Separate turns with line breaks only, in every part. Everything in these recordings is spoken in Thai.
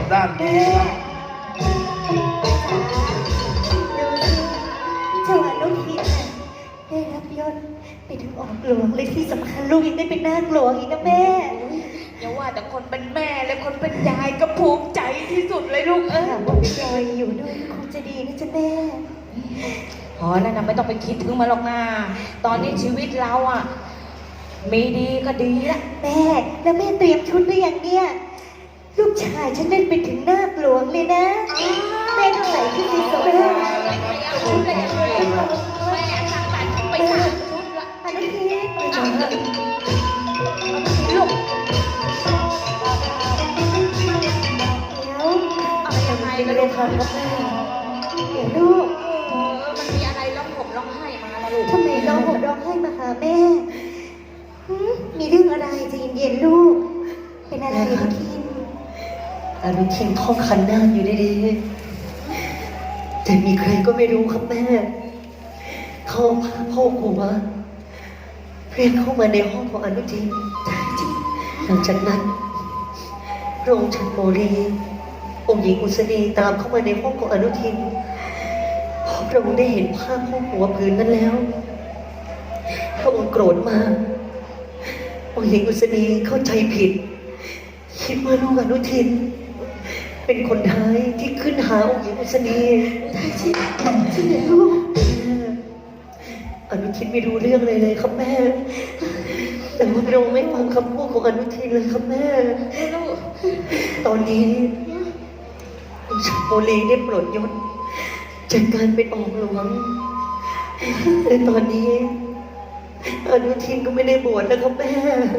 ด้านนี้ครับ
เจ้าอนุทินน่ะได้รับยศเป็นถึงออกหลวงเลยที่สำคัญลูกยังได้เป็นนาคหลวงอีกนะแม่
อย่าว่าแต่คนเป็นแม่และคนเป็นยายก็ภูมิใจที่สุดเลยลูก
หากว่าเป็นยายอยู่ด้วยคงจะดีนะจ๊ะแม่
อ๋อนั่นนะไม่ต้องไปคิดถึงมาหรอกนะตอนนี้ชีวิตเราอ่ะมีดีก็ดีละ
แม่แล้วแม่เตรียมชุดหรือยังเนี่ยลูกชายฉันได้เป็นถึงนาคหลวงเลยนะแม่ต้องใส่ชุดสีสวย
ไม่เอาชุดเลยแม่สั่งตัดไปสามชุดละ
อนุทิน
ลูก
เดี๋ยว
เอายังไง
ไม่
ล่ะ
ได้
ลูก
ทำกับแม่เดี๋ยวลูก
มันมีอะไรร้องห่มร้องไห้มาละลูก
ทำไมร้องห่มร้องไห้มาหาแม่หืมมีเรื่องอะไรใจเย็นๆลูก เป็นอะไรอนุทิน
อนุทินท่องขันนาคอยู่ดีๆแต่มีใครก็ไม่รู้ครับแม่ เขาพาพ่อครูมาเรียกเข้ามาในห้องของอนุทินหลังจากนั้นพระองค์ชันโมรีองค์หญิงอุษณีตามเข้ามาในห้องของอนุทินพอพระองค์ได้เห็นภาพห้องหัวผืนนั้นแล้วพระองค์โกรธมากองค์หญิงอุษณีเข้าใจผิด คิดว่าลูกอนุทิน เป็นคนท้ายที่ขึ้นหาองค์หญิงอุษณีใช่ไหมลูกอนุทินไม่รู้เรื่องเลยครับแม่ แต่ว่าเราไม่ฟังคำพูดของอนุทินเลยครับแม่ ตอนนี้องค์ชโมลีได้ปลดยศจากการเป็นออกหลวงและตอนนี้อนุทินก็ไม่ได้บวชแล้วครับแม่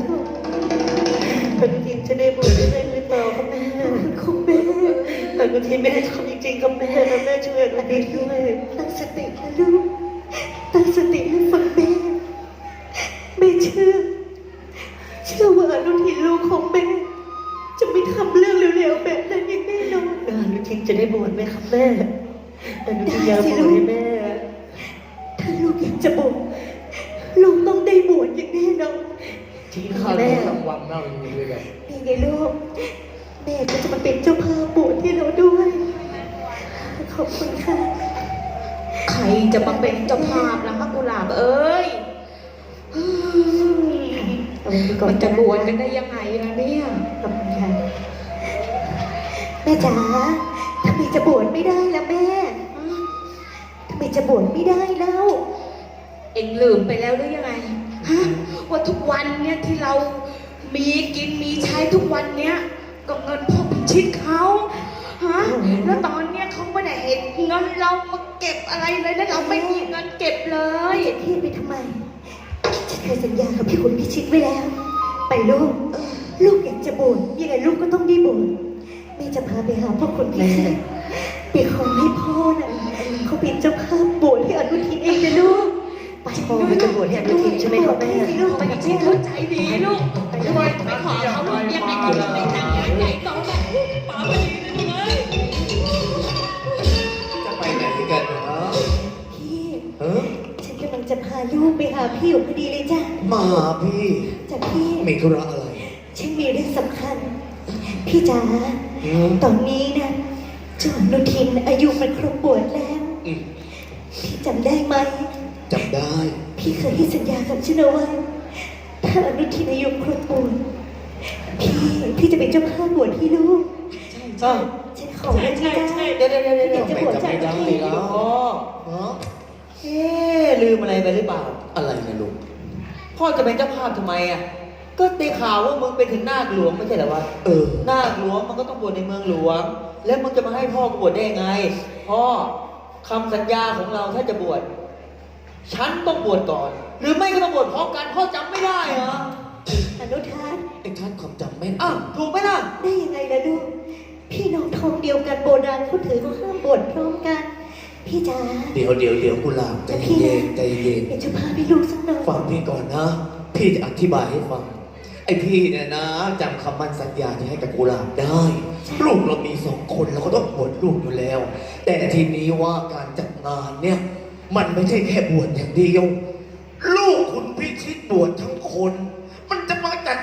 อนุทินจะได้บวชได้หรือเปล่าครับแม่คุณแม่อนุทินไม่ได้ทำจริงๆครับแม่แม่ช่วยอนุทินด้วยตั้งสตินะลูกตั้งสติให้ฟังแม่ไม่เชื่อว่าอนุทินลูกของแม่จะไม่ทำเรื่องเร็วๆแบบนั้นอย่างแน่นอนอนุทินจะได้บวชไหมครับแม่อนุทินอยากบวชให้แม่ถ้าลูกอยากจะบวชลูกต้องได้บวชอย่างแน่นอน
จริงข้าวแม่รางวัลน่าอยู่ด้วยกัน
นี่ไงลูกแม่ก็จะมาเป็นเจ้าภาพบวชให้เราด้วยขอบคุณค่ะ
ใครจะมาเป็นเจ้าภาพล่ะคะกุหลาบเอ้ย มันจะบวชกันได้ยังไงล่ะเนี่ย
ขอบคุณค่ะแม่จ๋าทำไมจะบวชไม่ได้ล่ะแม่ทำไมจะบวชไม่ได้แล้ว
เอ็งลืมไปแล้วหรือยังไงฮะว่าทุกวันเนี่ยที่เรามีกินมีใช้ทุกวันเนี้ยก็เงินพ่อพิชิตเขาฮะแล้วตอนเนี้ยเขาไม่ได้เห็นเงินเรามาเก็บอะไรเลยแล้วเราไม่มีเงินเก็บเลย
จะเทียบไปทำไมฉันเคยสัญญากับพี่คุณพิชิตไว้แล้ว ไปลูกลูกอยากจะบวชยังไงลูกก็ต้องได้บวชแม่จะพาไปหาพ่อคุณพิชิตไปขอให้พ่อน่ะเขาเป็นเจ้าภาพบวชให้อนุทินเองนะลูกไป
พ่อไปจะบวชให้อนุทินใช่ไหมครับแม่
ลูก
ไป
ไป
กั
กั
บบ พี่
แม่
เข้าใจดีลูกไปขอเขาลูกยังไงก็ไม่แต่งงานใหญ่โตแบบป๋าไปดีเลยมึงเอ้ย
จะไปไหนกันเนาะ
พี่
เออ
ฉันกำลังจะพาลูกไปหาพี่อยู่พอดีเลยจ้ะ
มาพี่
จ้ะพี่
มีธุระอะไร
ฉันมีเรื่องสำคัญ พี่จ๋า
อืม
ตอนนี้นะเจ้าอนุทินอายุมันครบบวชแล้ว
อืม
พี่จำได้ไหม
จำได้
พี่เคยให้สัญญากับฉันเอาไว้ถ้าอนุทินอายุครบบวชพี่จะเป็นเจ้าภาพบวชให้ลูก
อ้าว
ฉันขอเลยพี่จ้า
เดี๋ยว
อยากจะบวชจาก
ไม่จำไม่ได้
พี่
แล้ว
พ่อ
เนาะ
ลืมอะไรไปหรือเปล่า
อะไรนะลูก
พ่อจะเป็นเจ้าภาพทำไมอ่ะ ก็ได้ข่าวว่ามึงไปถึงนาคหลวงไม่ใช่เหรอวะ
เออ
นาคหลวงมันก็ต้องบวชในเมืองหลวง แล้วมึงจะมาให้พ่อบวชได้ยังไง พ่อคำสัญญาของเราถ้าจะบวช ฉันต้องบวชก่อน หรือไม่ก็ต้องบวชพร้อมกัน พ่อจำไม่ได้เหรอ
อนุทัศน์
ไอ้ท่านความจำแม่น
อ้าวถูกไหมล่ะ
ได้ยังไงล่ะลูกพี่น้องท้องเดียวกันโบราณเขาถือเขาห้ามบวชพร้อมกัน พี่จ๋า
เดี๋ยวกุหลาบใจเย็นใจเย็น
เป็นเจ้าภาพให้ลูกสักหน่อย
ฟังพี่ก่อนนะ พี่จะอธิบายให้ฟัง ไอ้พี่เนี่ยนะจำคำมั่นสัญญาที่ให้กับกุหลาบได้ ลูกเรามี2 คนเราก็ต้องบวชลูกอยู่แล้ว แต่ทีนี้ว่าการจัดงานเนี่ย มันไม่ใช่แค่บวชอย่างเดียว ลูกคุณพิชิตบวชทั้งคน มันจะมาจัดงาน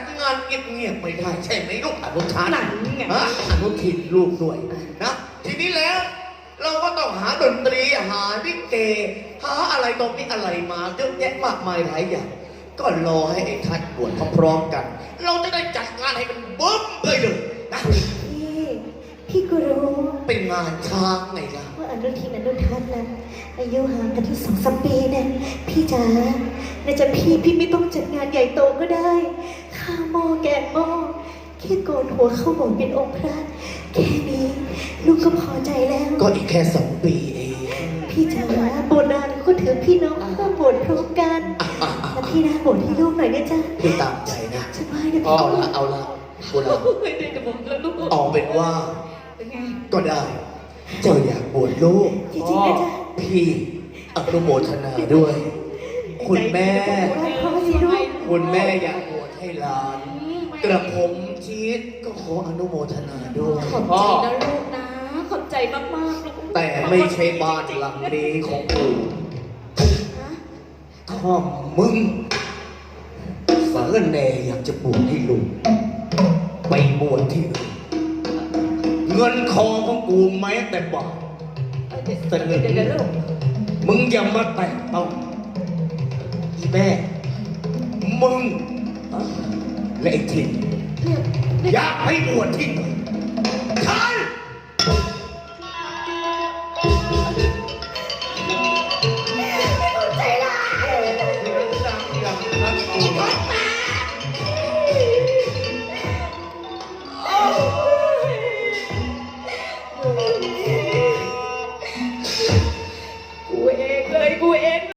เงียบๆไม่ได้ใช่ไหมลูกอนุชา
หนังไง
ฮะอนุทินลูกด้วยนะทีนี้แล้ว เราก็ต้องหาดนตรีหาลิเกหาอะไรตรงนี้อะไรมาเยอะแยะมากมายหลายอย่างก็รอให้ไอ้ท่านบวชพร้อมๆกัน เราจะได้จัดงานให้มันบึ้มไปเลยนะ
พี่ก็รู้
เป็นงานช้างไงล่ะ
ว่าอนุทินอนุทัศน์นะอายุห่างกันที่2-3 ปีเนี่ยพี่จ๋าน่าจะพี่ไม่ต้องจัดงานใหญ่โตก็ได้ข้าวหม้อแกงหม้อแค่โกนหัวเข้าโบสถ์เป็นองค์พระแค่นี้ลูกก็พอใจแล้ว
ก็อีกแค่2 ปีเอง
พี่จ๋าโบสถ์นานก็ถือพี่น้องเข้าโบสถ์พร้อมกันแล้วพี่นะโบสถ์ให้ลูกหน่อยนะจ๊ะ
พี่ตามใจนะ
สบายนะ
เอา
พี่
ละเอาละกูละ
ไม่ได้จะบอกแล้วลูก
เอาเป็นว่า
เป็นไง
ก็ได้ เจ้าอยากบวชลูก
จริงๆนะจ๊ะ
พี่อนุโมทนาด้วย คุณแม่ คุณแม่อยากบวชให้หลาน กระผมชีสก็ขออนุโมทนาด้วย
ขอบใจนะลูกนะ ขอบใจมากๆลูก
แต่ไม่ใช่บ้านหลังนี้ของกู
ฮะ
ถ้ามึงสารแหน่อยากจะบวชให้ลูกไปบวชที่อื่นเงินทองของกูแม้แต่บาท
เดี๋ยวลูก
มึงอย่ามาแตะต้องอีแม่ มึงและไอ้ทิน
เรียก
อยากให้บวชที่ไหน